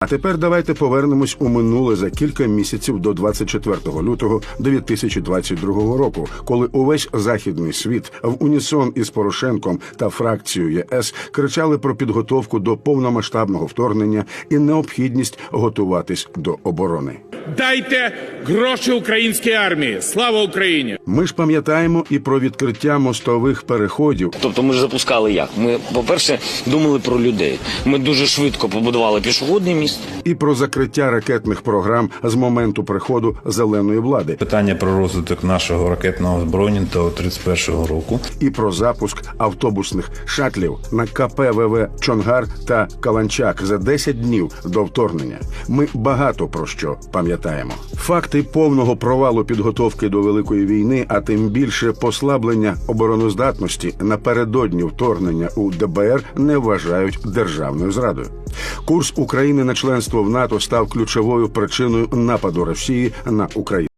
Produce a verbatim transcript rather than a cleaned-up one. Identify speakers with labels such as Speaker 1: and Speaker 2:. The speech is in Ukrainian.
Speaker 1: А тепер давайте повернемось у минуле за кілька місяців до двадцять четвертого лютого дві тисячі двадцять другого року, коли увесь західний світ в унісон із Порошенком та фракцією ЄС кричали про підготовку до повномасштабного вторгнення і необхідність готуватись до оборони.
Speaker 2: Дайте гроші українській армії! Слава Україні!
Speaker 1: Ми ж пам'ятаємо і про відкриття мостових переходів.
Speaker 3: Тобто ми ж запускали як? Ми, по-перше, думали про людей. Ми дуже швидко побудували пішохідний міст.
Speaker 1: І про закриття ракетних програм з моменту приходу зеленої влади.
Speaker 4: Питання про розвиток нашого ракетного озброєння до тридцять першого року.
Speaker 1: І про запуск автобусних шатлів на ка пе ве ве «Чонгар» та «Каланчак» за десять днів до вторгнення. Ми багато про що пам'ятаємо. Факти повного провалу підготовки до Великої війни, а тим більше послаблення обороноздатності напередодні вторгнення у де бе ер не вважають державною зрадою. Курс України на членство в НАТО став ключовою причиною нападу Росії на Україну.